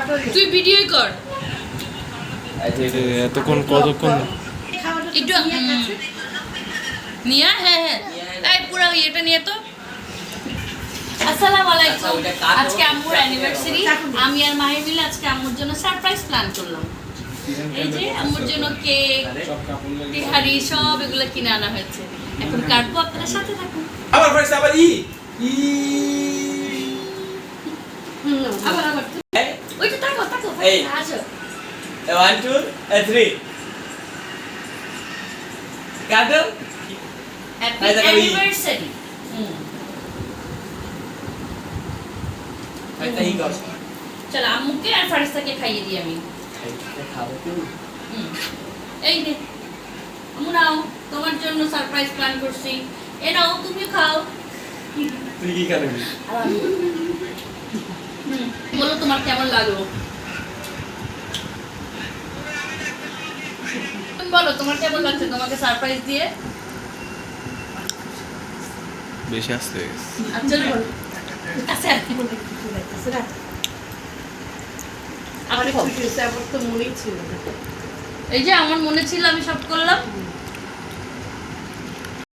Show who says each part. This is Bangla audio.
Speaker 1: তুই ভিডিওই কর
Speaker 2: এতক্ষণ কতক্ষণ
Speaker 1: একটু নিয়া হ্যাঁ হ্যাঁ এই পুরো এটা নিয়ে তো আসসালামু আলাইকুম আজকে আম্মুর অ্যানিভার্সারি আমি আর মাহি মিলে আজকে আম্মুর জন্য সারপ্রাইজ প্ল্যান করলাম এই যে আম্মুর জন্য কেক তিহারি সব এগুলো কিনে আনা হয়েছে এখন কাটবো আপনাদের সাথে থাকুন
Speaker 3: আবার ফার্স্ট আবার
Speaker 1: আবার ওইটা তাকো তাকো
Speaker 3: এই।
Speaker 1: আসো
Speaker 3: 1 2 3 কাটো
Speaker 1: হ্যাপি
Speaker 3: এই দেখো, এই।
Speaker 1: অ্যানিভার্সারি
Speaker 3: একটা ই কর
Speaker 1: চল আম্মুকে আর ফারিস্তাকে খাইয়ে দিই আমি
Speaker 3: খাবো কি
Speaker 1: এই নে আম্মু নাও তোমার জন্য সারপ্রাইজ প্ল্যান করছি এ নাও তুমি খাও
Speaker 3: তুই কি খাবি
Speaker 1: বলো তোমার কেমন লাগলো তুমি বলো তোমার কেমন লাগছে তোমাকে সারপ্রাইজ দিয়ে
Speaker 2: বেশি আসতে হয়ে গেছে।
Speaker 1: আচ্ছা বলো আচ্ছা
Speaker 4: আমার ছুটি হয়েছে, আমার তো মনেই ছিল না।
Speaker 1: এই যে আমার মনে ছিল আমি সব করলাম